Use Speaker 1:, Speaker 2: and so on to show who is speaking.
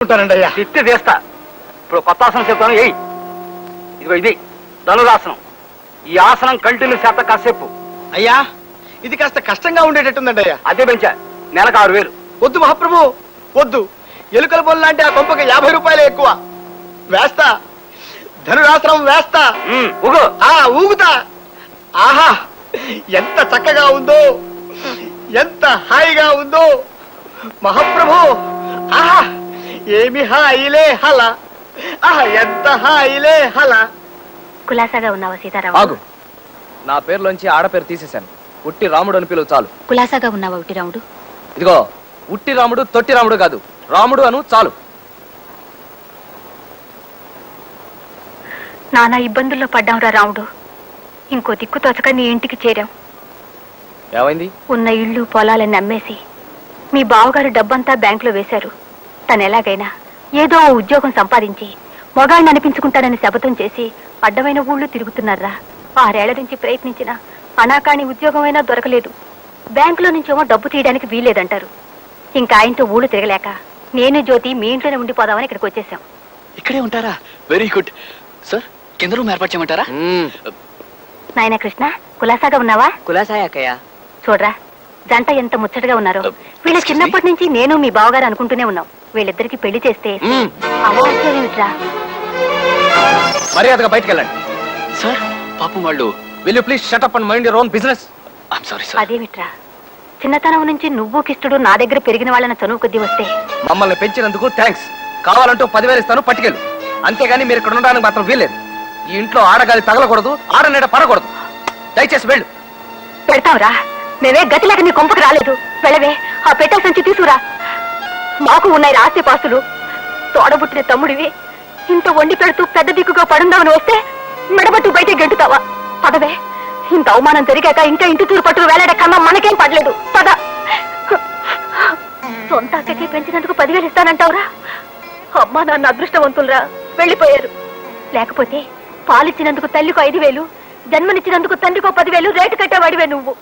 Speaker 1: తీసుకుంటానండి అయ్యా.
Speaker 2: తిత్తి తీస్తా. ఇప్పుడు కొత్త ఆసనం చెప్తాను. ఏయ్, ఇదిగో ఇది ధనురాసనం. ఈ ఆసనం కంటిన్యూ చేత కాసేపు.
Speaker 1: అయ్యా ఇది కాస్త కష్టంగా ఉండేటట్టుందండి అయ్యా.
Speaker 2: అదే పెంచా, నెలకు 6000.
Speaker 1: వద్దు మహాప్రభు వద్దు. ఎలుకల బొల్ల అంటే ఆ కొంపకి 50 రూపాయలే ఎక్కువ. వేస్తా, ధనురాసనం వేస్తా.
Speaker 2: ఊగు.
Speaker 1: ఊగుతా. ఆహా ఎంత చక్కగా ఉందో, ఎంత హాయిగా ఉందో మహాప్రభు. ఆహా ఏమి హాయిలే హల. ఆహా ఎంత హాయిలే హల.
Speaker 3: కులాసాగా ఉన్నావా సీతారామ?
Speaker 4: ఆగు, నా పేరులోంచి ఆడపేరు తీసేశాను. ఉట్టి రాముడు అని పిలువు చాలు.
Speaker 3: కులాసాగా ఉన్నావా ఉట్టి రాముడు?
Speaker 4: ఇదిగో ఉట్టి రాముడు తొట్టి రాముడు కాదు, రాముడు అను చాలు.
Speaker 3: నానా ఇబ్బందుల్లో పడ్డాంరా రాముడు. ఇంకో దిక్కు తోచక నీ ఇంటికి చేరాం.
Speaker 4: ఏమైంది?
Speaker 3: ఉన్న ఇళ్ళు పొలాలని అమ్మేసి మీ బావగారు డబ్బంతా బ్యాంకులో వేశారు. తను ఎలాగైనా ఏదో ఓ ఉద్యోగం సంపాదించి మొగాడిని అనిపించుకుంటాడని శపథం చేసి అడ్డమైన ఊళ్ళు తిరుగుతున్నారా. 6 ఏళ్ల నుంచి ప్రయత్నించిన అనాకాని ఉద్యోగమైనా దొరకలేదు. బ్యాంకులో నుంచేమో డబ్బు తీయడానికి వీల్లేదంటారు. ఇంకా ఆయనతో ఊళ్ళు తిరగలేక నేను జ్యోతి మీ ఇంట్లోనే ఉండిపోదామని ఇక్కడికి వచ్చేసాం.
Speaker 5: ఇక్కడే ఉంటారా? Very good sir. కింద రూమ్ ఏర్పాటు చేయమంటారా?
Speaker 3: నాయన కృష్ణ, కులాసాగా ఉన్నావా?
Speaker 4: కులాసాయక్కయ్యా.
Speaker 3: చూడరా జంట ఎంత ముచ్చటగా ఉన్నారో. వీళ్ళ చిన్నప్పటి నుంచి నేను మీ బావగారు అనుకుంటూనే ఉన్నాం. వీళ్ళిద్దరికి పెళ్లి చేస్తే అవాచ్యమేమిట్రా?
Speaker 4: మర్యాదగా బయటకు వెళ్ళండి.
Speaker 5: సార్ పాపం వాళ్ళు.
Speaker 4: Will you please shut up and mind your own business.
Speaker 5: I'm sorry sir.
Speaker 3: అదేమిట్రా, చిన్నతనం నుంచి నువ్వు కిష్టుడు నా దగ్గర పెరిగిన వాళ్ళని చనువు కొద్దీ వస్తే
Speaker 4: మమ్మల్ని పెంచినందుకు థ్యాంక్స్. కావాలంటూ 10,000 ఇస్తాను, పట్టుకెళ్ళు. అంతేగాని మీరు ఇక్కడ ఉండడానికి మాత్రం వీల్లేదు. ఈ ఇంట్లో ఆడగాలి తగలకూడదు, ఆడనీడ పడకూడదు. దయచేసి వెళ్ళు.
Speaker 3: పెడతావురా, మేమే గతి లేక నీ కొంపకు రాలేదు. వెళ్ళవే, ఆ పెట్టెల సంచి తీసుకురా. మాకు ఉన్నాయి ఆస్తి పాస్తులు. తోడబుట్టిన తమ్ముడివి ఇంత వండి పెడుతూ పెద్ద దిక్కుగా పడుందామని వస్తే మెడబట్టు బయట గెంటుతావా? పదవే, ఇంత అవమానం జరిగాక ఇంకా ఇంటి తూరు పట్టుకు వేలాడే కన్నా మనకేం పడలేదు. పద. సొంత అక్కకి పెంచినందుకు 10,000 ఇస్తానంటావురా? అమ్మా నాన్న అదృష్టవంతులరా, వెళ్ళిపోయారు. లేకపోతే పాలిచ్చినందుకు తల్లికో 5,000, జన్మనిచ్చినందుకు తండ్రికో 10,000 రేటు కట్టేవాడివే నువ్వు.